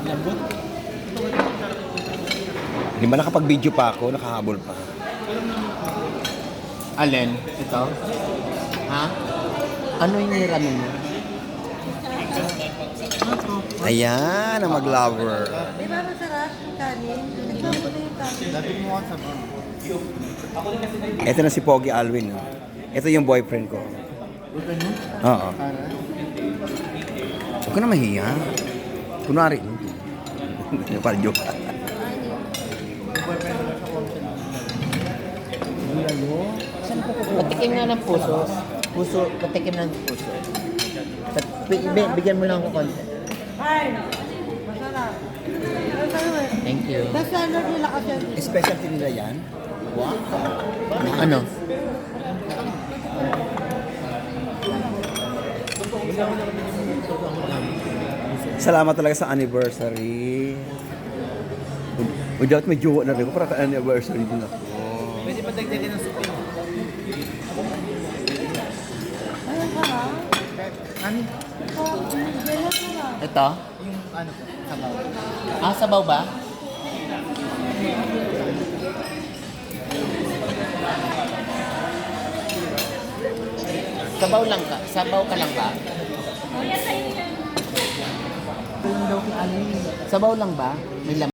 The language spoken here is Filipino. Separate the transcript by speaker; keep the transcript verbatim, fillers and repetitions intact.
Speaker 1: Lambot.
Speaker 2: Di ba nakapag-video pa ako, nakahabol pa.
Speaker 3: Alin? Ito? Ha? Ano yung niramin mo?
Speaker 2: Ayan, ang mag-lover.
Speaker 4: Di ba masarap yung kanin? Ikaw mo na yung kanin.
Speaker 1: Lapit mo ka sa mga.
Speaker 2: Ito na si Pogi Alwin. oh. Ito yung boyfriend ko.
Speaker 1: Huwag nyo?
Speaker 2: Oo.
Speaker 1: Para.
Speaker 2: Huwag ka na mahiya. Kunwari. Parang joke.
Speaker 3: Patikim nga ng puso. Puso, patikim ng puso. Pat- bi- Bigyan mo lang ako konti.
Speaker 4: Ay! Masarap. Masarap eh.
Speaker 3: Thank you.
Speaker 4: Tapos standard nila kasi.
Speaker 2: Specialty nila yan? Wow.
Speaker 3: Ano?
Speaker 2: Salamat talaga sa anniversary. Without may jowa na rin ko, para ka-anniversary din ako.
Speaker 1: Pwede pa dagdagan ng supin.
Speaker 4: Ay, ang sarap.
Speaker 1: Ano?
Speaker 4: Oh, ganyan sarap.
Speaker 3: Ito?
Speaker 1: Yung ano po? Sabaw.
Speaker 3: Ah, sabaw ba? Sabaw lang ka? Sabaw ka lang ba? Sabaw lang ba? May laman.